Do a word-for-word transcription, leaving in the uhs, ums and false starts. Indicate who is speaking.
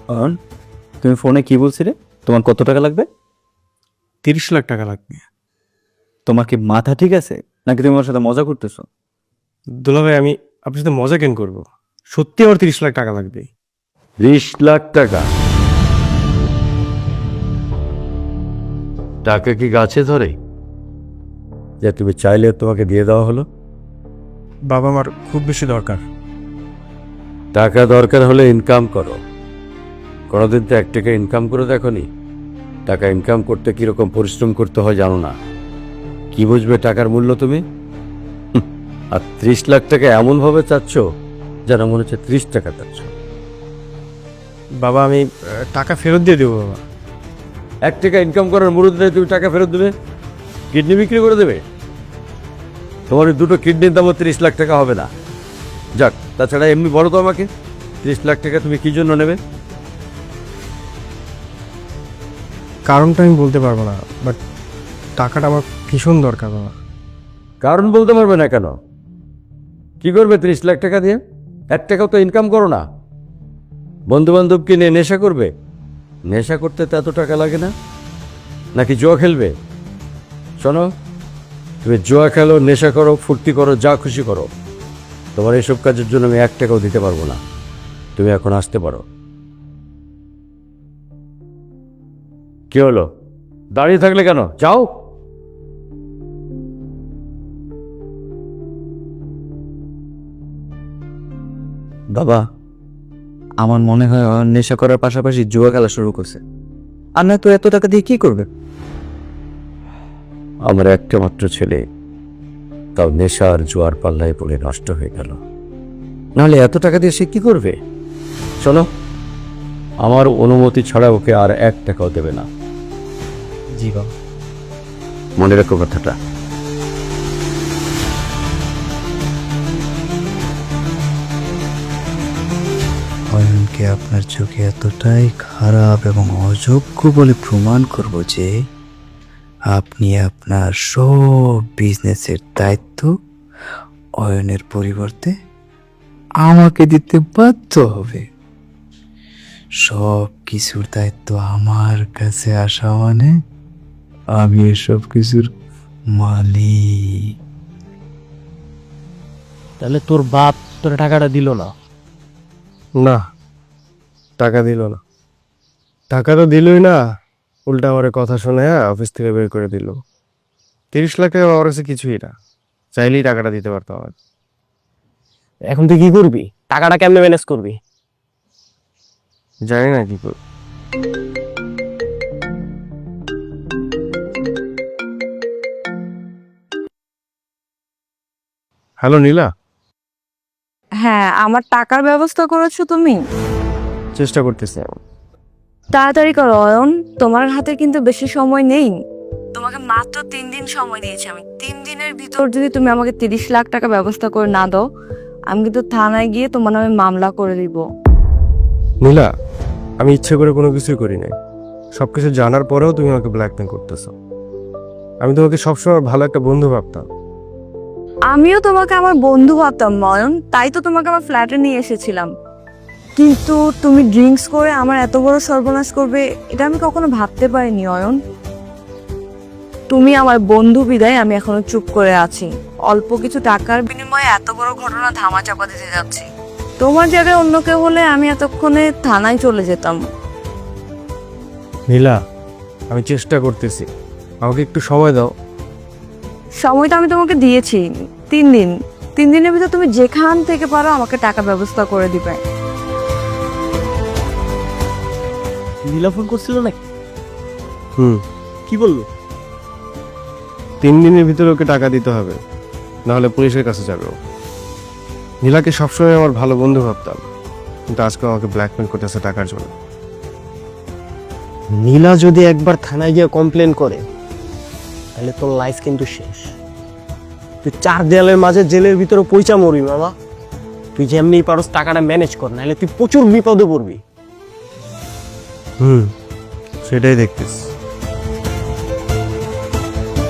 Speaker 1: অয়ন, তুমি ফোনে কি বলছিলে? তোমার কত টাকা লাগবে?
Speaker 2: তিরিশ লাখ টাকা লাগবে।
Speaker 1: তোমার কি মাথা ঠিক আছে নাকি তুমি আমার সাথে মজা করতেছো?
Speaker 2: দুলাভাই, আমি আপনার সাথে মজা কেন করবো? সত্যি আমার তিরিশ লাখ টাকা লাগবে।
Speaker 3: বিশ লাখ টাকা? টাকা কি গাছে ধরে যে তুমি চাইলে তোমাকে দিয়ে দেওয়া হলো?
Speaker 2: বাবা, আমার খুব বেশি দরকার।
Speaker 3: টাকা দরকার হলে ইনকাম করো। কোনোদিন তো এক টাকা ইনকাম করে দেখোনি? টাকা ইনকাম করতে কিরকম পরিশ্রম করতে হয় জানো না? কি বুঝবে টাকার মূল্য তুমি? হুঁ, আর ত্রিশ লাখ টাকা এমন ভাবে চাচ্ছ যেন মনে হচ্ছে ত্রিশ টাকা চাচ্ছ।
Speaker 2: বাবা, আমি আহ, টাকা ফেরত দিয়ে দেবো বাবা।
Speaker 3: এক টাকা ইনকাম করার মুরুদ নেই, তুমি টাকা ফেরত দেবে? কিডনি বিক্রি করে দেবে? তোমার ওই দুটো কিডনির দামও ত্রিশ লাখ টাকা হবে না। যাক, তাছাড়া এমনি বলো তো আমাকে, ত্রিশ লাখ টাকা তুমি কি জন্য নেবে?
Speaker 2: কারণটা আমি বলতে পারবো না, বাট টাকাটা আমার ভীষণ দরকার বাবা।
Speaker 3: কারণ বলতে পারবে না কেন? কি করবে ত্রিশ লাখ টাকা দিয়ে? এক টাকাও তো ইনকাম করো না। বন্ধু বান্ধবকে নিয়ে নেশা করবে? নেশা করতে তো এত টাকা লাগে না। নাকি জুয়া খেলবে? শোনো, তুমি জুয়া খেলো, নেশা করো, ফুর্তি করো, যা খুশি করো, তোমার এসব কাজের জন্য আমি এক টাকাও দিতে পারবো না। তুমি এখন আসতে পারো। কি হলো, দাঁড়িয়ে থাকলে কেন? যাও।
Speaker 1: বাবা, আমার মনে হয় অয়ন নেশা করার পাশাপাশি জুয়া খেলা শুরু করছে। আর না তো এত টাকা দিয়ে কি করবে?
Speaker 3: আমার একটা মাত্র ছেলে, তাও নেশা আর জোয়ার পাল্লায় পড়ে নষ্ট হয়ে গেল। নাহলে এত টাকা দিয়ে সে কি করবে? শোনো, আমার অনুমতি ছাড়া ওকে আর এক টাকাও দেবে না।
Speaker 1: জি বাবা।
Speaker 3: মনে রাখো কথাটা।
Speaker 4: অয়নকে আপনার চোখে এতটাই খারাপ এবং অযোগ্য বলে প্রমাণ করব যে আপনি আপনার সব বিজনেসের দায়িত্ব অয়নের পরিবর্তে আমাকে দিতে বাধ্য হবে। সব কিছুর দায়িত্ব আমার কাছে আসা মানে আমি এসব কিছুর মালিক।
Speaker 5: তাহলে তোর বাপ তোর টাকাটা দিল না?
Speaker 2: না, টাকা দিল না। টাকা তো দিলই না, উল্টা আমার কথা শুনে অফিস থেকে বের করে দিল। তিরিশ লাখ টাকা আমার কাছে কিছুই না, চাইলেই টাকাটা দিতে পারতো আমার।
Speaker 5: এখন তুই কি করবি? টাকাটা কেমনে ম্যানেজ করবি?
Speaker 2: জানি না কি করব। হ্যালো নীলা।
Speaker 6: হ্যাঁ, আমার টাকার ব্যবস্থা করেছো তুমি?
Speaker 2: চেষ্টা করতেছি।
Speaker 6: তাড়াতাড়ি করো অয়ন, তোমার হাতে কিন্তু বেশি সময় নেই। তোমাকে মাত্র তিন দিন সময় দিয়েছি আমি। তিন দিনের ভিতর যদি তুমি আমাকে তিরিশ লাখ টাকা ব্যবস্থা করে না দাও, আমি কিন্তু থানায় গিয়ে তোমার নামে মামলা করে দিব।
Speaker 2: নীলা, আমি ইচ্ছে করে কোনো কিছুই করি নাই। সবকিছু জানার পরেও তুমি আমাকে ব্ল্যাকমেল করতেছো। আমি তোমাকে সবসময় ভালো একটা বন্ধু ভাবতাম।
Speaker 6: আমিও তোমাকে আমার বন্ধু ভাবতাম অয়ন, তাই তো তোমাকে আমার ফ্ল্যাটে নিয়ে এসেছিলাম। কিন্তু তুমি ড্রিঙ্কস করে আমার এত বড় সর্বনাশ করবে এটা আমি কখনো ভাবতে পারিনি অয়ন। তুমি আমার বন্ধু বিদায় আমি এখনো চুপ করে আছি। অল্প কিছু টাকার বিনিময়ে এত বড় ঘটনা ধামাচাপা দিতে যাচ্ছি। তোমার জায়গায় অন্য কেউ হলে আমি এতক্ষণে থানায় চলে যেতাম।
Speaker 2: নীলা, আমি চেষ্টা করতেছি, আমাকে একটু সময় দাও।
Speaker 6: সময়টা আমি তোমাকে দিয়েছি তিন দিন। তিন দিনের ভিতর তুমি যেখান থেকে পারো আমাকে টাকা ব্যবস্থা করে দিবে।
Speaker 5: নীলা ফোন করছিল নাকি?
Speaker 2: হুম,
Speaker 5: কি বললো?
Speaker 2: তিন দিনের ভিতরে ওকে টাকা দিতে হবে, নাহলে পুলিশের কাছে যাবে ও। নীলাকে সবসময় আমার ভালো বন্ধু ভাবতাম, কিন্তু আজকে আমাকে ব্ল্যাকমেল করতেছে টাকার জন্য।
Speaker 5: নীলা যদি একবার থানায় গিয়ে কমপ্লেন করে তাহলে তোর লাইফ কিন্তু শেষ। তুই চার দেয়ালের মাঝে জেলের ভিতরে পয়সা মরবি মামা। তুই যেমনি পারস টাকাটা ম্যানেজ কর, নাহলে তুই প্রচুর বিপদে পড়বি।
Speaker 2: হুম, সেটাই দেখতেছি।